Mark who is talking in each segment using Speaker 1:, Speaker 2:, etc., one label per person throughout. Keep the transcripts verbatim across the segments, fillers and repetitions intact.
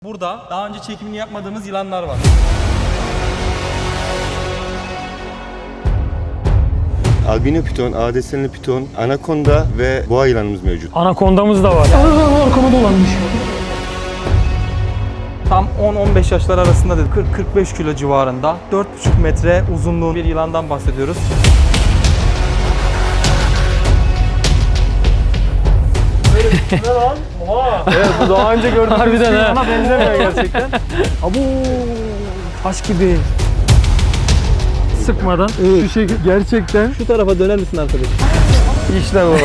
Speaker 1: Burada daha önce çekimini yapmadığımız yılanlar var.
Speaker 2: Albino piton, A D S'li piton, anakonda ve boğa yılanımız mevcut.
Speaker 3: Anakondamız da var. Aa, arkama dolanmış.
Speaker 1: Tam on on beş yaşlar arasında dedi. kırk kırk beş kilo civarında. dört buçuk metre uzunluğu bir yılandan bahsediyoruz.
Speaker 3: Ne lan? Oha.
Speaker 1: Evet, bu daha önce gördüğümüz
Speaker 3: Harbiden ha.
Speaker 1: yılana benzemiyor gerçekten.
Speaker 3: Abu taş gibi. Sıkmadan şu şekil gerçekten.
Speaker 1: Şu tarafa döner misin arkadaş? İşte bu.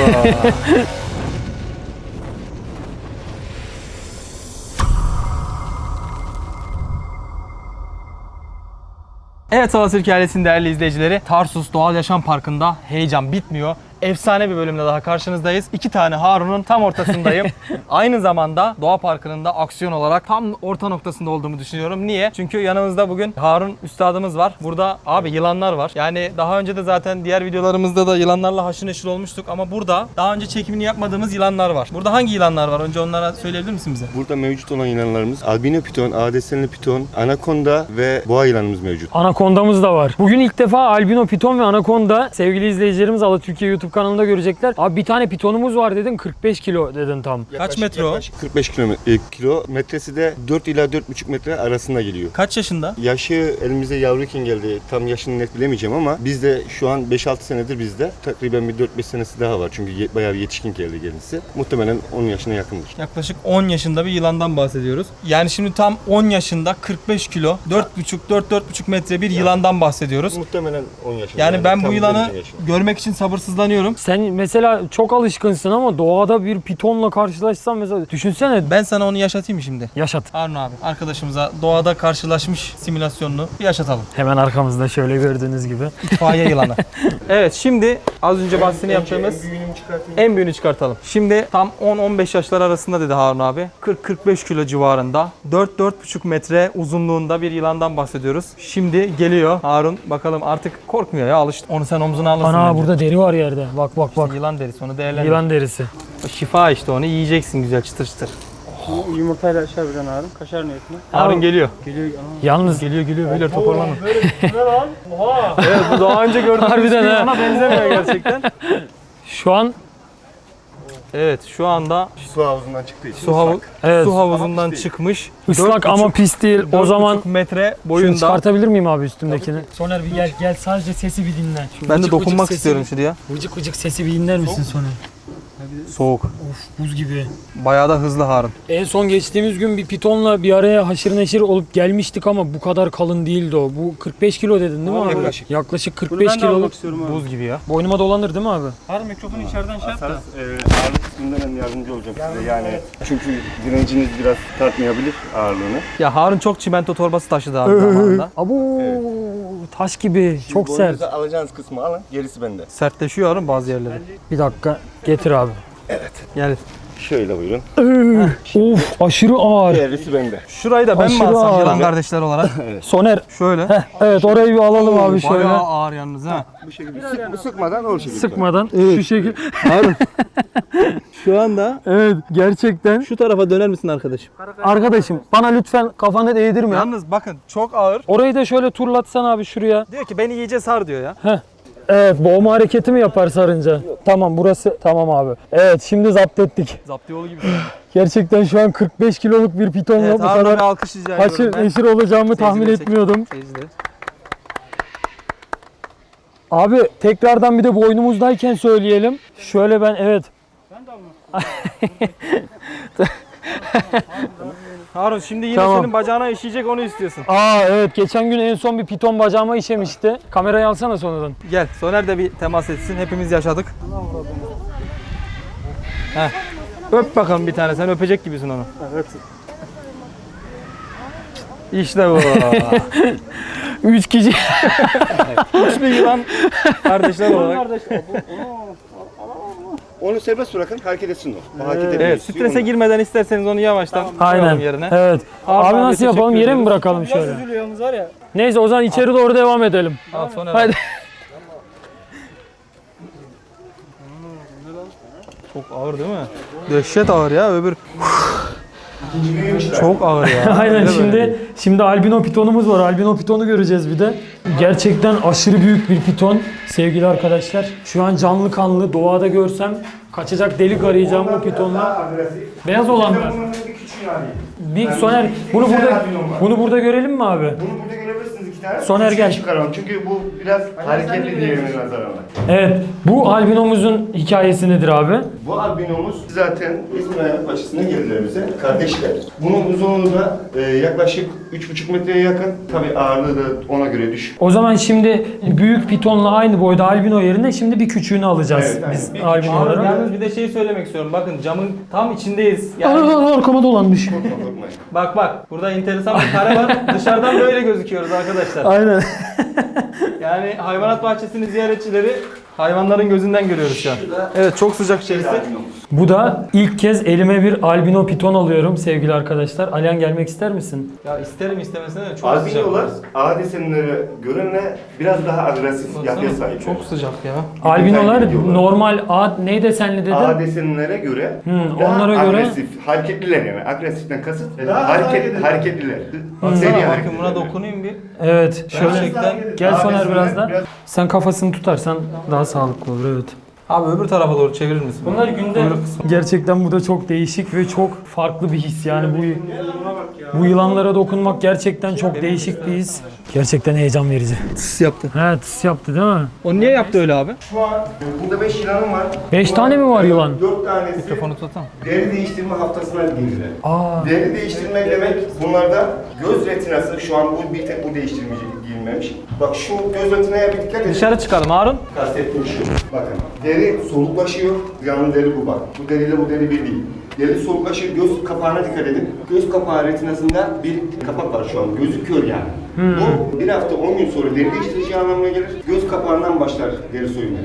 Speaker 1: Evet, Salas Türkiye ailesinin değerli izleyicileri, Tarsus Doğal Yaşam Parkı'nda heyecan bitmiyor. Efsane bir bölümle daha karşınızdayız. İki tane Harun'un tam ortasındayım. Aynı zamanda Doğa Parkı'nın da aksiyon olarak tam orta noktasında olduğumu düşünüyorum. Niye? Çünkü yanımızda bugün Harun üstadımız var. Burada abi yılanlar var. Yani daha önce de zaten diğer videolarımızda da yılanlarla haşır neşir olmuştuk. Ama burada daha önce çekimini yapmadığımız yılanlar var. Burada hangi yılanlar var? Önce onlara söyleyebilir misin bize?
Speaker 2: Burada mevcut olan yılanlarımız albino piton, A D S'li piton, anakonda ve boğa yılanımız mevcut.
Speaker 3: Anakondamız da var. Bugün ilk defa albino piton ve anakonda sevgili izleyicilerimiz Ala Türkiye YouTube kanalında görecekler. Abi bir tane pitonumuz var dedin, kırk beş kilo dedin tam.
Speaker 1: Kaç metre o?
Speaker 2: Yaklaşık kırk beş kilometre, e, kilo. Metresi de dört ila dört buçuk metre arasında geliyor.
Speaker 1: Kaç yaşında?
Speaker 2: Yaşı elimize yavruyken geldi. Tam yaşını net bilemeyeceğim ama bizde şu an beş altı senedir bizde. Takriben bir dört beş senesi daha var. Çünkü ye- bayağı bir yetişkin geldi kendisi. Muhtemelen on yaşına yakındır.
Speaker 1: Yaklaşık on yaşında bir yılandan bahsediyoruz. Yani şimdi tam on yaşında kırk beş kilo, dört buçuk dört dört buçuk metre bir yılandan bahsediyoruz.
Speaker 2: Muhtemelen on yaşında.
Speaker 1: Yani ben bu
Speaker 2: tam
Speaker 1: yılanı
Speaker 2: denizin yaşı.
Speaker 1: görmek için sabırsızlanıyorum.
Speaker 3: Sen mesela çok alışkınsın ama doğada bir pitonla karşılaşsan mesela düşünsene.
Speaker 1: Ben sana onu yaşatayım mı şimdi?
Speaker 3: Yaşat.
Speaker 1: Harun abi, arkadaşımıza doğada karşılaşmış simülasyonunu bir yaşatalım.
Speaker 3: Hemen arkamızda şöyle gördüğünüz gibi.
Speaker 1: İtfaiye yılanı. Evet, şimdi az önce bahsini yaptığımız
Speaker 2: En büyüğünü çıkartayım.
Speaker 1: en büyüğünü çıkartalım. Şimdi tam on on beş yaşlar arasında dedi Harun abi. kırk kırk beş kilo civarında. dört dört buçuk metre uzunluğunda bir yılandan bahsediyoruz. Şimdi geliyor Harun. Bakalım, artık korkmuyor ya, alıştı. Onu sen omzuna alırsın.
Speaker 3: Ana
Speaker 1: bence.
Speaker 3: burada deri var yerde. Bak bak bak.
Speaker 1: Yılan derisi, onu değerlendir.
Speaker 3: Yılan derisi.
Speaker 1: O şifa işte, onu yiyeceksin güzel çıtır çıtır.
Speaker 4: Yumurtayla aşağı bir tane Harun. Kaşar niyetine.
Speaker 1: Harun geliyor.
Speaker 4: Geliyor.
Speaker 3: Yalnız
Speaker 1: Geliyor geliyor beyler, toparlanın.
Speaker 4: Ne lan? Oha.
Speaker 1: Evet, bu daha önce gördüğümüz
Speaker 3: Harbiden
Speaker 1: bir
Speaker 3: ha.
Speaker 1: yılana benzemiyor gerçekten.
Speaker 3: şu an
Speaker 1: Evet, şu anda
Speaker 2: Su havuzundan çıktığı için
Speaker 1: su, havu
Speaker 2: ıslak.
Speaker 3: evet,
Speaker 1: su havuzundan
Speaker 2: Ama pis değil.
Speaker 1: çıkmış.
Speaker 3: ıslak ama pis değil. O zaman
Speaker 1: metre
Speaker 3: şunu
Speaker 1: boyunda.
Speaker 3: çıkartabilir miyim abi üstümdekini? Soner bir gel gel sadece sesi bir dinle. Şu
Speaker 1: Ben de
Speaker 3: vıcık
Speaker 1: dokunmak
Speaker 3: vıcık
Speaker 1: istiyorum
Speaker 3: sesi,
Speaker 1: şuraya.
Speaker 3: Vıcık vıcık sesi bir dinler misin Soner?
Speaker 1: Soğuk.
Speaker 3: Of buz gibi.
Speaker 1: Bayağı da hızlı Harun.
Speaker 3: En son geçtiğimiz gün bir pitonla bir araya haşır neşir olup gelmiştik ama bu kadar kalın değildi o. Bu kırk beş kilo dedin değil mi abi?
Speaker 2: Yaklaşık.
Speaker 3: Yaklaşık kırk
Speaker 4: Bunu
Speaker 3: beş
Speaker 4: ben de almak
Speaker 3: kiloluk.
Speaker 4: istiyorum abi.
Speaker 1: Buz gibi ya.
Speaker 3: Boynuma dolanır değil mi abi?
Speaker 4: Harun mikrofonu içeriden şey yap da.
Speaker 2: Sarı, e, ağırlık kısmından ben yardımcı olacağım size. Yani çünkü direnciniz biraz tartmayabilir ağırlığını.
Speaker 1: Ya Harun çok çimento torbası taşıdı abi zamanında.
Speaker 3: Abu taş gibi. Çok sert.
Speaker 2: Boynunuza alacağınız kısmı alın, gerisi bende.
Speaker 1: Sertleşiyor Harun bazı yerleri.
Speaker 3: Bir dakika getir abi.
Speaker 1: Yani
Speaker 2: Şöyle buyurun.
Speaker 3: Of aşırı ağır.
Speaker 2: Gerisi bende.
Speaker 1: şurayı da ben mi
Speaker 3: Aşırı
Speaker 1: alsam
Speaker 3: ağır.
Speaker 1: yılan kardeşler olarak?
Speaker 3: Soner.
Speaker 1: Şöyle.
Speaker 3: Heh, evet orayı bir alalım abi şöyle.
Speaker 1: Bayağı ağır yalnız ha.
Speaker 2: Bu şekilde sık, sıkmadan o şekilde.
Speaker 3: Sıkmadan şu şekil.
Speaker 1: Harun. Şu anda
Speaker 3: Evet gerçekten.
Speaker 1: şu tarafa döner misin arkadaşım?
Speaker 3: Arkadaşım bana lütfen kafanı değdirme.
Speaker 1: Yalnız bakın, çok ağır.
Speaker 3: Orayı da şöyle turlatsan abi şuraya.
Speaker 1: Diyor ki beni iyice sar diyor ya.
Speaker 3: Heh. Evet boğma hareketi mi yapar sarınca? Tamam burası tamam abi. Evet şimdi zapt ettik.
Speaker 1: Zapt yolu gibi.
Speaker 3: Gerçekten şu an kırk beş kiloluk bir pitonla
Speaker 1: Evet,
Speaker 3: bu
Speaker 1: Harun'a bir
Speaker 3: kadar
Speaker 1: alkış rica ediyorum.
Speaker 3: haşır
Speaker 1: ben.
Speaker 3: neşir olacağımı tahmin
Speaker 1: Seyircileri
Speaker 3: etmiyordum.
Speaker 1: Seyircileri.
Speaker 3: Abi tekrardan bir de boynumuzdayken söyleyelim. Şöyle ben evet.
Speaker 1: Harun şimdi yine
Speaker 3: Tamam.
Speaker 1: senin bacağına işeyecek, onu istiyorsun.
Speaker 3: Aa evet geçen gün en son bir piton bacağıma işemişti. Kamerayı alsana sonradan.
Speaker 1: Gel, Soner de bir temas etsin. Hepimiz yaşadık. Heh. Öp bakalım bir tane. Sen öpecek gibisin onu.
Speaker 4: Evet.
Speaker 1: İşte bu.
Speaker 3: Üç kişi.
Speaker 1: Üçlü yılan kardeşler olarak.
Speaker 4: Kardeş.
Speaker 2: Onu serbest bırakın, hareket etsin o. O hareket
Speaker 1: Evet,
Speaker 2: etmeyi istiyor,
Speaker 1: strese
Speaker 2: onu-
Speaker 1: girmeden isterseniz onu yavaştan
Speaker 3: Aynen.
Speaker 1: koyalım yerine.
Speaker 3: Evet.
Speaker 1: Harun
Speaker 3: Abi
Speaker 1: abi,
Speaker 3: nasıl yapalım?
Speaker 1: teşekkür
Speaker 3: Yere mi
Speaker 1: ediyoruz.
Speaker 3: bırakalım
Speaker 4: Biraz
Speaker 3: şöyle?
Speaker 4: üzülüyor yalnız var ya.
Speaker 3: Neyse o zaman içeri doğru devam edelim.
Speaker 1: Al Soner.
Speaker 3: Hadi.
Speaker 1: Çok ağır değil mi? Dehşet ağır ya, öbür.
Speaker 2: İkinci büyümüş.
Speaker 1: Çok ağır ya.
Speaker 3: Aynen
Speaker 1: Öyle
Speaker 3: şimdi
Speaker 1: böyle.
Speaker 3: şimdi albino pitonumuz var. Albino pitonu göreceğiz bir de. Gerçekten aşırı büyük bir piton sevgili arkadaşlar. Şu an canlı kanlı doğada görsem kaçacak delik arayacağım bu pitonla. Beyaz olan mı? Bir Soner bunu burada bunu burada görelim mi abi?
Speaker 2: Bunu burada görebilirsiniz iki tane.
Speaker 3: Soner
Speaker 2: Üçü
Speaker 3: gel.
Speaker 2: çıkaralım. Çünkü bu biraz hareketli diğerine nazaran.
Speaker 3: Evet. Bu albinomuzun hikayesi nedir abi?
Speaker 2: Bu albinomuz zaten İzmir açısına geldiler bize. Kardeşler. Bunun uzunluğu da e, yaklaşık üç buçuk metreye yakın. Tabii ağırlığı da ona göre düşük.
Speaker 3: O zaman şimdi büyük pitonla aynı boyda albino yerine şimdi bir küçüğünü alacağız
Speaker 2: Evet, aynen.
Speaker 3: biz
Speaker 2: Bir
Speaker 3: albino
Speaker 1: Abi
Speaker 3: olarak.
Speaker 1: yalnız bir de şey söylemek istiyorum. Bakın camın tam içindeyiz. Yani
Speaker 3: Aa, arkama dolanmış.
Speaker 2: Korkma korkmayın.
Speaker 1: bak bak burada enteresan bir kare var. Dışarıdan böyle gözüküyoruz arkadaşlar.
Speaker 3: Aynen.
Speaker 1: Yani hayvanat bahçesinin ziyaretçileri hayvanların gözünden görüyoruz şu an. Evet çok sıcak içerisi.
Speaker 3: Bu da ilk kez elime bir albino piton alıyorum sevgili arkadaşlar. Alihan gelmek ister misin?
Speaker 1: Ya isterim istemesine de çok sıcak.
Speaker 2: Albinolar A desenlere göre biraz daha agresif yapıya
Speaker 1: Baksana,
Speaker 2: sahip.
Speaker 1: çok sıcak ya.
Speaker 3: Albinolar
Speaker 2: gidiyorlar.
Speaker 3: normal A ne desenli dedin?
Speaker 2: A desenlere göre
Speaker 3: Hmm,
Speaker 2: daha
Speaker 3: onlara göre-
Speaker 2: agresif, hareketliler yani. Agresiften kasıt hareket, hareketliler.
Speaker 1: Baksana
Speaker 2: Seri
Speaker 1: bakın
Speaker 2: hareketliler.
Speaker 1: buna dokunayım bir.
Speaker 3: Evet. Şöyle
Speaker 1: Gerçekten.
Speaker 3: gel
Speaker 2: A
Speaker 3: Soner
Speaker 2: desenler
Speaker 3: biraz da.
Speaker 2: biraz-
Speaker 3: Sen kafasını tutarsan daha sağlıklı olur evet.
Speaker 1: Abi öbür tarafa doğru çevirir misin?
Speaker 3: Bunlar günde gerçekten bu da çok değişik ve çok farklı bir his yani bu bu yılanlara dokunmak gerçekten çok değişik bir his. Gerçekten heyecan verici.
Speaker 1: tıs yaptı.
Speaker 3: He tıs yaptı değil mi?
Speaker 1: O niye yaptı öyle abi?
Speaker 2: Şu an burada beş yılanım var.
Speaker 3: Beş tane mi var yılan?
Speaker 2: dört tanesi
Speaker 1: Mikrofonu tutsana.
Speaker 2: deri değiştirme haftasına girdiler.
Speaker 3: Aa.
Speaker 2: Deri değiştirmek demek bunlarda göz retinası şu an bu bir tek bu değiştirmeyecek giyilmemiş. Bak şu göz retinaya bir dikkat edin.
Speaker 1: Dışarı çıkalım Harun.
Speaker 2: Kastettiğim şu. Bakın deri soluklaşıyor. Yanlı deri bu bak. Bu deriyle bu deri bir değil. Deri soluklaşıyor. Göz kapağına dikkat edin. Göz kapağı retinasında bir kapak var şu an. Gözü kör yani. Bu bir hafta on gün sonra deri değiştireceği anlamına gelir. Göz kapağından başlar deri soyulmaya.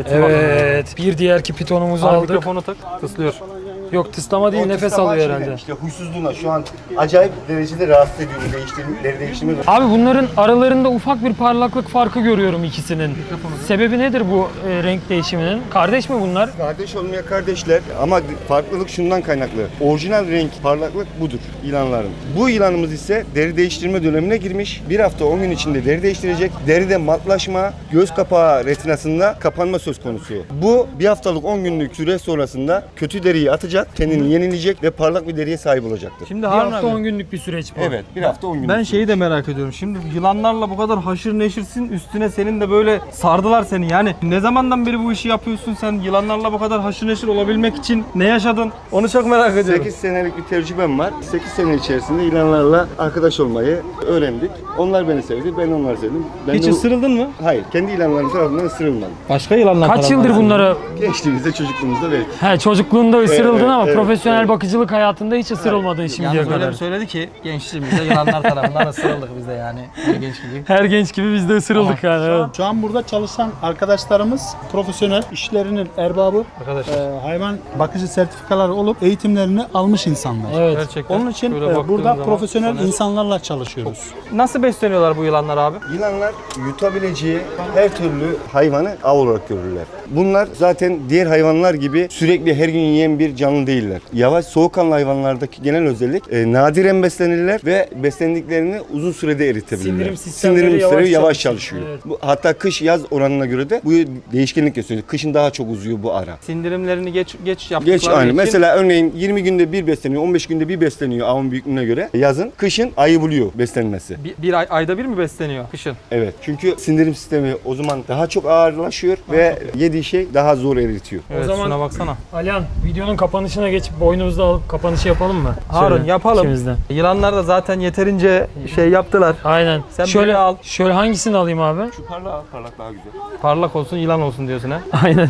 Speaker 3: Evet. Bir diğerki pitonumuzu
Speaker 1: Abi
Speaker 3: aldık.
Speaker 1: mikrofonu tak. Tıslıyor.
Speaker 3: Yok tıslama değil
Speaker 2: O
Speaker 3: nefes
Speaker 2: tıslama
Speaker 3: alıyor
Speaker 2: şeyden,
Speaker 3: herhalde.
Speaker 2: İşte huysuzluğuna şu an acayip derecede rahatsız ediyor bu değiştirme, deri değiştirme.
Speaker 3: Abi bunların aralarında ufak bir parlaklık farkı görüyorum ikisinin. Sebebi nedir bu e, renk değişiminin? Kardeş mi bunlar?
Speaker 2: Kardeş olmaya kardeşler ama farklılık şundan kaynaklı. Orijinal renk, parlaklık budur yılanların. Bu yılanımız ise deri değiştirme dönemine girmiş. Bir hafta on gün içinde deri değiştirecek. Deride matlaşma, göz kapağı retinasında kapanma söz konusu. Bu bir haftalık on günlük süre sonrasında kötü deriyi atacak, kendini yenileyecek ve parlak bir deriye sahip olacaktır.
Speaker 1: Şimdi
Speaker 3: Bir
Speaker 1: Harun
Speaker 3: hafta
Speaker 1: abi.
Speaker 3: on günlük bir süreç bu.
Speaker 2: Evet, bir hafta on gün.
Speaker 1: Ben şeyi de merak ediyorum. Şimdi yılanlarla bu kadar haşır neşirsin, üstüne senin de böyle sardılar seni. Yani ne zamandan beri bu işi yapıyorsun sen? Yılanlarla bu kadar haşır neşir olabilmek için ne yaşadın? Onu çok merak ediyorum.
Speaker 2: sekiz senelik bir tecrübem var. sekiz sene içerisinde yılanlarla arkadaş olmayı öğrendik. Onlar beni sevdi, ben onları sevdim. Ben
Speaker 1: Hiç
Speaker 2: de-
Speaker 1: ısırıldın mı?
Speaker 2: Hayır, kendi yılanlarım tarafından ısırılmadım.
Speaker 1: Başka yılanlar
Speaker 3: Kaç
Speaker 1: tarafından
Speaker 3: yıldır bunlara
Speaker 2: Gençliğimizde, çocukluğumuzda belki.
Speaker 3: he çocukluğunda ısırıldın
Speaker 2: Evet,
Speaker 3: ama
Speaker 2: evet,
Speaker 3: profesyonel
Speaker 2: evet.
Speaker 3: bakıcılık hayatında hiç ısırılmadın şimdiye
Speaker 1: Yalnız öyle
Speaker 3: kadar.
Speaker 1: bir söyledi ki gençliğimizde yılanlar tarafından ısırıldık biz de yani. Bir genç gibi.
Speaker 3: Her genç gibi biz de ısırıldık yani. Evet.
Speaker 5: Şu an burada çalışan arkadaşlarımız profesyonel, işlerinin erbabı,
Speaker 1: Arkadaşlar.
Speaker 5: e, hayvan bakıcı sertifikaları olup eğitimlerini almış insanlar.
Speaker 3: Evet.
Speaker 1: Gerçekten.
Speaker 5: Onun için
Speaker 1: Şöyle
Speaker 5: e,
Speaker 1: baktığım
Speaker 5: burada
Speaker 1: zaman
Speaker 5: profesyonel
Speaker 1: Soner-
Speaker 5: insanlarla çalışıyoruz.
Speaker 1: Nasıl besleniyorlar bu yılanlar abi?
Speaker 2: Yılanlar yutabileceği her türlü hayvanı av olarak görürler. Bunlar zaten diğer hayvanlar gibi sürekli her gün yiyen bir canlı değiller. Yavaş soğukkanlı hayvanlardaki genel özellik e, nadiren beslenirler ve beslendiklerini uzun sürede eritebilirler.
Speaker 3: Sindirim sistemleri
Speaker 2: Sindirim
Speaker 3: yavaş
Speaker 2: sistemi yavaş
Speaker 3: çalışıyor.
Speaker 2: çalışıyor.
Speaker 3: Evet.
Speaker 2: Bu, hatta kış yaz oranına göre de bu değişkenlik gösteriyor. Kışın daha çok uzuyor bu ara.
Speaker 1: Sindirimlerini geç geç yaptıkları
Speaker 2: Geç aynı.
Speaker 1: için
Speaker 2: Mesela örneğin yirmi günde bir besleniyor, on beş günde bir besleniyor avın büyüklüğüne göre. Yazın, kışın ayı buluyor beslenmesi.
Speaker 1: bir, bir ay, ayda bir mi besleniyor kışın?
Speaker 2: Evet. Çünkü sindirim sistemi o zaman daha çok ağırlaşıyor ve yediği şey daha zor eritiyor.
Speaker 1: Evet
Speaker 3: zaman-
Speaker 1: şuna baksana.
Speaker 3: Alihan videonun kapanışına geçip boynumuzda alıp kapanışı yapalım mı?
Speaker 1: Harun
Speaker 3: Şöyle,
Speaker 1: yapalım.
Speaker 3: ikimizden.
Speaker 1: Yılanlar da zaten yeterince şey yaptılar.
Speaker 3: Aynen.
Speaker 1: Sen
Speaker 3: şöyle
Speaker 1: birini al.
Speaker 3: Şöyle hangisini alayım abi?
Speaker 2: Şu parlak parlak daha güzel.
Speaker 1: Parlak olsun yılan olsun diyorsun ha.
Speaker 3: Aynen.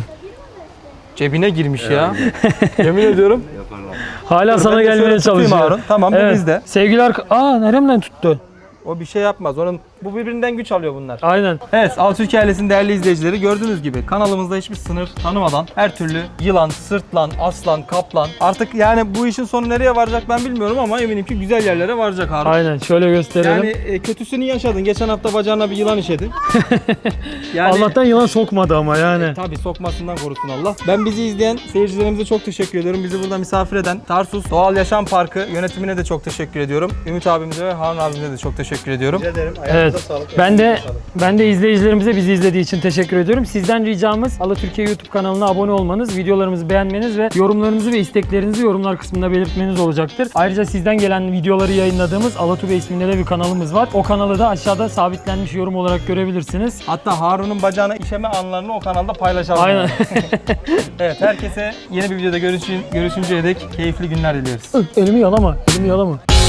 Speaker 1: Cebine girmiş ya. Yemin ediyorum.
Speaker 3: Hala sana
Speaker 1: Ben de şöyle
Speaker 3: gelmeye
Speaker 1: tutayım
Speaker 3: çalışıyor.
Speaker 1: Harun. Tamam bu
Speaker 3: Evet.
Speaker 1: bizde.
Speaker 3: Sevgili arka... Aa neremden tuttu?
Speaker 1: O bir şey yapmaz. Onun Bu birbirinden güç alıyor bunlar.
Speaker 3: Aynen.
Speaker 1: Evet, Alatürk ailesinin değerli izleyicileri, gördüğünüz gibi kanalımızda hiçbir sınır tanımadan her türlü yılan, sırtlan, aslan, kaplan, artık yani bu işin sonu nereye varacak ben bilmiyorum ama eminim ki güzel yerlere varacak Harun.
Speaker 3: Aynen, şöyle gösterelim.
Speaker 1: Yani e, kötüsünü yaşadın. Geçen hafta bacağına bir yılan işedi. Yani
Speaker 3: Allah'tan yılan sokmadı ama yani.
Speaker 1: e, tabii sokmasından korusun Allah. Ben bizi izleyen seyircilerimize çok teşekkür ediyorum. Bizi burada misafir eden Tarsus Doğal Yaşam Parkı yönetimine de çok teşekkür ediyorum. Ümit abimize ve Harun abimize de çok teşekkür ediyorum.
Speaker 5: Rica ederim.
Speaker 3: Evet. Ben de ben de izleyicilerimize bizi izlediği için teşekkür ediyorum. Sizden ricamız Alatürkiye YouTube kanalına abone olmanız, videolarımızı beğenmeniz ve yorumlarınızı ve isteklerinizi yorumlar kısmında belirtmeniz olacaktır. Ayrıca sizden gelen videoları yayınladığımız Alatube isminde de bir kanalımız var. O kanalı da aşağıda sabitlenmiş yorum olarak görebilirsiniz.
Speaker 1: Hatta Harun'un bacağına işeme anlarını o kanalda paylaşalım.
Speaker 3: Aynen.
Speaker 1: Evet, herkese yeni bir videoda görüşün, görüşünceye dek keyifli günler diliyoruz.
Speaker 3: Elimi yalama, elimi yalama.